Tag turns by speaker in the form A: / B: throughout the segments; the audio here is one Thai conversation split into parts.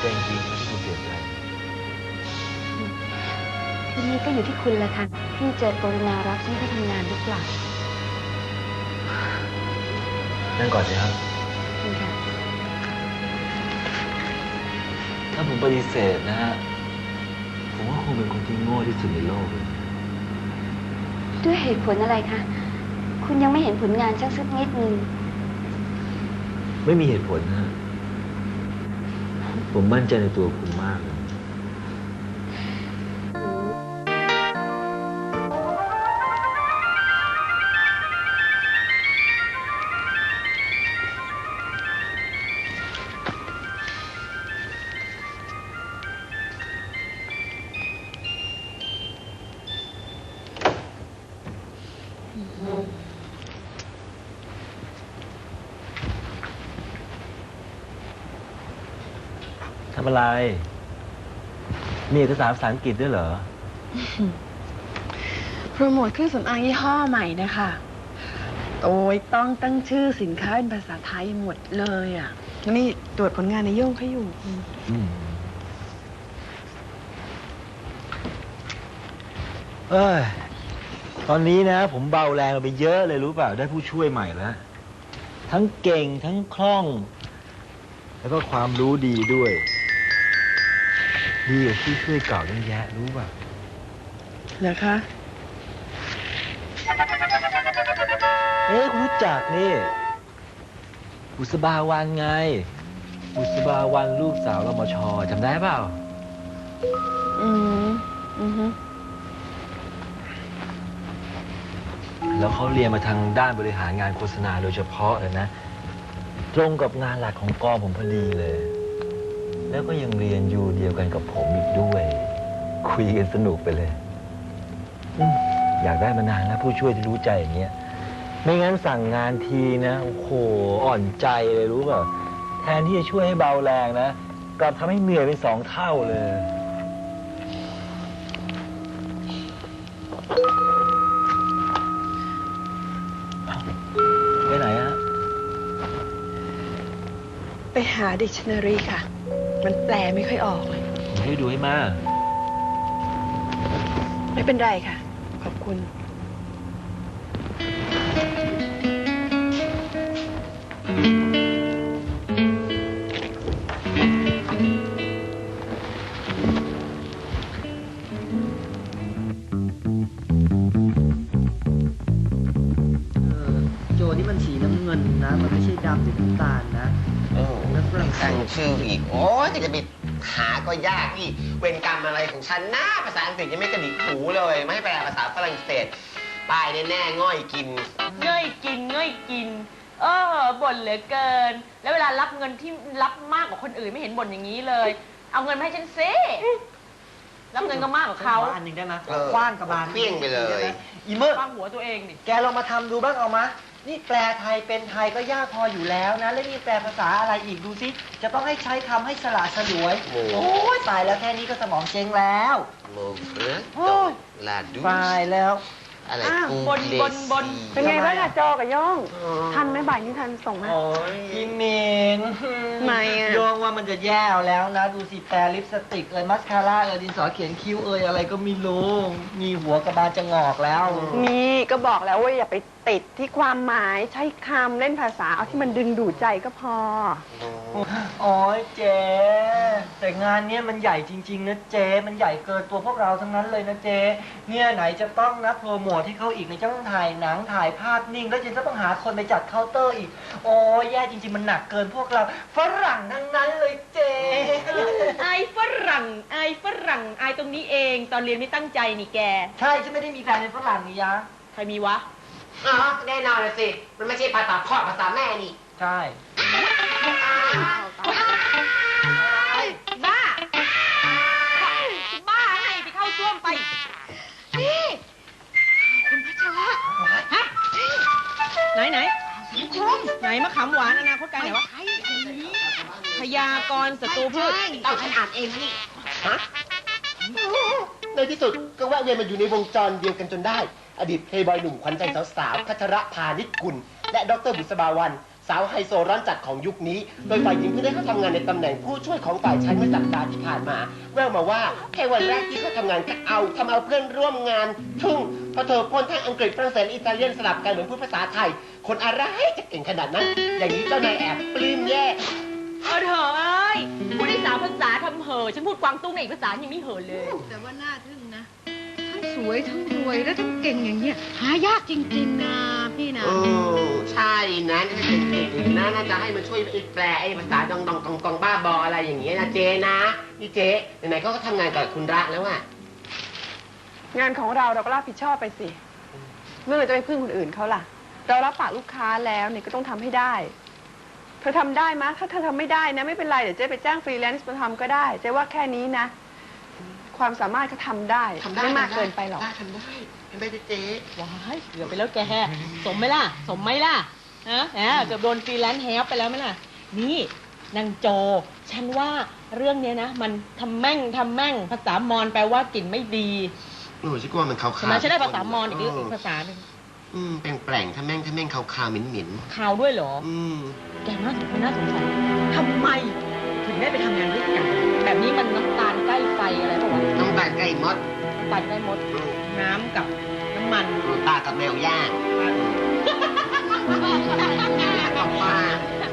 A: ใจจริงๆนะที่คุณเสียใจ
B: ทีนี้ก็อยู่ที่คุณแหละค่ะที่จะกรุณารับฉันไปทำงานหรือเปล่า
A: นั่งก่อนสิครับ
B: คุณค่ะ
A: ถ้าผมปฏิเสธนะฮะผมว่าคงเป็นคนที่โง่ที่สุดในโลกเลย
B: ด้วยเหตุผลอะไรคะคุณยังไม่เห็นผลงานสักนิดนึง
A: ไม่มีเหตุผลนะฮะผมมั่นใจในตัวคุณมากเลยทำอะไร มีเอกสารภาษาอังกฤษด้วยเหรอ
C: โปรโมทเครื่องสำอางยี่ห้อใหม่นะคะโดยต้องตั้งชื่อสินค้าเป็นภาษาไทยหมดเลยอ่ะแล้วนี่ตรวจผลงานในโย่งเขาอยู่
A: เอ้ย ตอนนี้นะผมเบาแรงไปเยอะเลยรู้เปล่า ได้ผู้ช่วยใหม่แล้ว ทั้งเก่งทั้งคล่อง แล้วก็ความรู้ดีด้วย ดีกว่าผู้ช่วยเก่าตั้งแยะรู้เปล่า
C: เหรอคะ
A: คุณรู้จักนี่ บุษบาวันไง บุษบาวันลูกสาวรมช.จำได้เปล่า แล้วเขาเรียนมาทางด้านบริหารงานโฆษณาโดยเฉพาะเลยนะ ตรงกับงานหลักของกองผมพอดีเลย แล้วก็ยังเรียนอยู่เดียวกันกับผมอีกด้วย คุยกันสนุกไปเลยอยากได้มานานแล้วผู้ช่วยที่รู้ใจอย่างเงี้ย ไม่งั้นสั่งงานทีนะโอ้โหอ่อนใจเลยรู้เปล่าแทนที่จะช่วยให้เบาแรงนะกลับทำให้เหนื่อยเป็น2 เท่าเลยไปไหนฮะ
C: ไปหาดิกชันนารีค่ะ มันแปลไม่ค่อยออกเลย
A: ผมช่วยดูให้มาก
C: ไม่เป็นไรค่ะ ขอบคุณ
D: โจนี่มันสีน้ำเงินนะ มันไม่ใช่ดำหรือน้ำตาลนะ
E: แล้วฝรั่งตั้งชื่ออีก โอ้ยจะไปหาก็ยากอีก เวรกรรมอะไรของฉันนะภาษาอังกฤษยังไม่กระดิกหูเลย ไม่ให้แปลภาษาฝรั่งเศสป้ายแน่ๆง่อยกิน
F: ง่อยกินง่อยกินบ่นเหลือเกิน แล้วเวลารับเงินที่รับมากกว่าคนอื่นไม่เห็นบ่นอย่างนี้เลย เอาเงินมาให้ฉันซิรับเงินก็มากกว่าเขา
D: อันหนึ่งได้ไหม
E: เออ
D: คว้างกับบาน
E: เคลี้ยงไปเลย
D: อีเมื่อ
F: ฟังหัวตัวเองดิ
D: แกลองมาทำดูบ้างเอามะ นี่แปลไทยเป็นไทยก็ยากพออยู่แล้วนะ แล้วนี่แปลภาษาอะไรอีกดูสิ จะต้องให้ใช้คำให้สละสลวย
E: โอ้
D: โอ้ยตายแล้วแค่นี้ก็สมองเจ๊งแล้ว
E: โมเฟรโตลาดู
D: ตายแล้ว
E: อะไร
F: อ้าว
E: ปู
F: บน
E: เล
F: บนบน
E: ซี
C: เป็นไงบ้างอะโจกับโย่ง ทันไหมบ่ายนี้ทันส่งไหม
D: โอ้ยอีเมน
C: ไม่อะ
D: โยงว่ามันจะแย่แล้วนะ ดูสิแปรลิปสติกมัสคาร่าดินสอเขียนคิ้วอะไรก็ไม่รู้ มีหัวกระบาลจะงอกแล้ว
C: นี่ก็บอกแล้วว่าอย่าไปติดที่ความหมายใช้คำเล่นภาษาเอาที่มันดึงดูดใจก็พอ
D: โอ้ยเจ๊แต่งานเนี้ยมันใหญ่จริงๆนะเจ๊มันใหญ่เกินตัวพวกเราทั้งนั้นเลยนะเจ๊เนี่ยไหนจะต้องนะโปรโมทให้เขาอีกในจะต้องถ่ายหนังถ่ายภาพนิ่งแล้วจะต้องหาคนไปจัดเคาน์เตอร์อีกโอ้ยแย่จริงๆมันหนักเกินพวกเราฝรั่งทั้งนั้นเลยเจ๊
F: ไอฝรั่งไอตรงนี้เอง ตอนเรียนไม่ตั้งใจนี่แก
D: ใช่ฉันไม่ได้มีแฟนเป็นฝรั่งนี่ยะ
F: ใครมีวะ
E: อ๋อแน่นอนเลยสิ มันไม่ใช่ภาษาพ่อภาษาแม่นี่
D: ใช่
F: บ้า บ้าไงไปเข้าซ่วมไป นี่คุณพระชาฮะไหนไหนไหนมะขามหวานอนาคตไกลไหนวะพยากรณ์ศัตรูพืช
E: เอาฉันอ่านเองนี่ ฮะ ในที่สุดก็แวะเวียนมาอยู่ในวงจรเดียวกันจนได้ อดีตเพลย์บอยหนุ่มขวัญใจสาวๆพัชระพานิชกุล และดรบุษบาวันสาวไฮโซร้อนจัดของยุคนี้ โดยฝ่ายหญิงเพิ่งได้เข้าทำงานในตำแหน่งผู้ช่วยของฝ่ายชายเมื่อสัปดาห์ที่ผ่านมาแววมาว่าแค่วันแรกที่เขาทำงานก็ทำเอาเพื่อนร่วมงานทึ่งเพราะเธอพ่นทั้งอังกฤษฝรั่งเศสอิตาเลียนสลับกันเหมือนพูดภาษาไทย คนอะไรจะเก่งขนาดนั้น อย่างนี้เจ้านายแอบปลื้มแย่
F: เถอะเอ้ยพูดได้3 ภาษาทำเหอะฉันพูดกวางตุ้งในอีกภาษายังไม่เหอะเลย
G: แต่ว่าน่าทึ่งนะ ทั้งสวยทั้งรวยและทั้งเก่งอย่างเงี้ยหายากจริงๆนะพี่นะ
E: โอ้ใช่นะถ้าเป็นเก่งๆน่าจะให้มาช่วยแปลไอ้ภาษาดองบ้าบออะไรอย่างเงี้ยนะเจนะนี่เจไหนๆก็ทำงานกับคุณรักแล้วอะ
C: งานของเราก็รับผิดชอบไปสิเมื่อเราจะไปพึ่งคนอื่นเขาล่ะ เรารับปากลูกค้าแล้วเนี่ยก็ต้องทำให้ได้เธอทำได้มะถ้าเธอทำไม่ได้นะไม่เป็นไรเดี๋ยวเจ๊ไปจ้างฟรีแลนซ์มาทำก็ได้เจ๊ว่าแค่นี้นะ ความสามารถเขาทำได้ไม่มากเกินไปหรอก
E: ทำได้เจ๊
F: ว้ายเกือบไปแล้วแกสมไหมล่ะ สมไหมล่ะฮะเกือบโดนฟรีแลนซ์แฮปไปแล้วไหมล่ะ นี่นางโจ ฉันว่าเรื่องเนี้ยนะ มันทำแม่งภาษามอญแปลว่ากลิ่นไม่ดี
E: โอ้ฉันกลัวมันขาวๆ
F: ใช่ไหมฉันได้ภาษามอญอีกภาษาหนึ่ง
E: แปลงๆถ้าแม่งขาวๆเหม็น
F: ข่าวด้วยเหรอ
E: ๆ
F: แกน่าสงสัยทำไมถึงได้ไปทำงานด้วยกัน แบบนี้มันน้ำตาลใกล้ไฟอะไรป่าวะ
E: น้ำตาลไก่มด
F: น้ำตาลใกล้มด น้ำกับน้ำมัน
E: ตากับแมวย่างกับปลา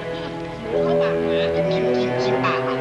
E: ชิมปากมัน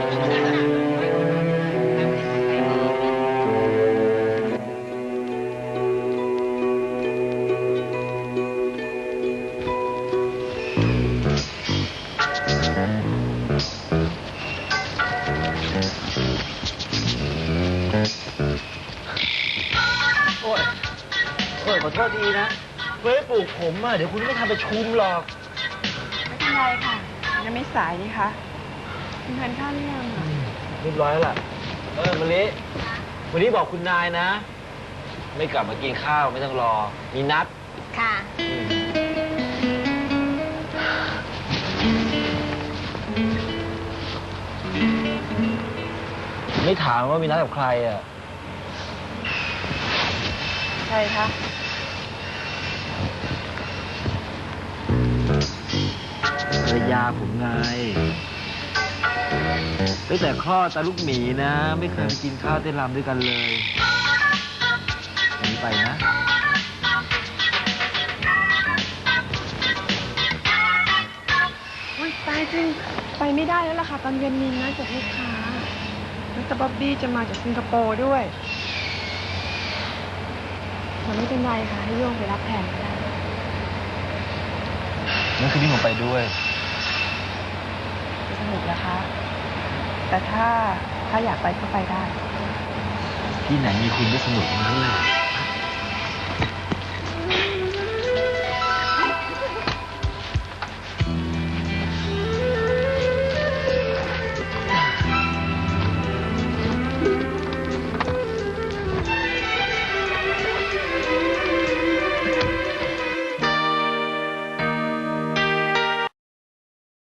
A: โอ้ยขอโทษทีนะเว้ยปลูกผมอ่ะเดี๋ยวคุณไม่ทำประชุมหรอก
C: ไม่เป็นไรค่ะยังไม่สายนี่คะคุณทานข้าวหรือยังอะ
A: เรียบร้อยแล้วล่ะมะลิวันนี้บอกคุณนายนะ ไม่กลับมากินข้าวไม่ต้องรอ มีนัด
B: ค่ะ
A: ไม่ถามว่ามีนัดกับใครอ่ะ
C: ใช่คะ
A: ภรรยาผมไงตั้งแต่คลอดตาลูกหมีนะ ไม่เคยไปกินข้าวเต้นรำด้วยกันเลยหนีไปนะ
C: อุ๊ยตายจริงไปไม่ได้แล้วล่ะค่ะตอนเย็นมีนัดกับลูกค้ามิสเตอร์บ๊อบบี้จะมาจากสิงคโปร์ด้วยแต่ไม่เป็นไรค่ะให้โยงไปรับแทนก็ได้
A: นั่นคือที่ผมไปด้วย
C: สนุกนะคะ แต่ถ้าอยากไปก็ไปได้
A: ที่ไหนมีคุณก็สนุกทั้งนั้นเลย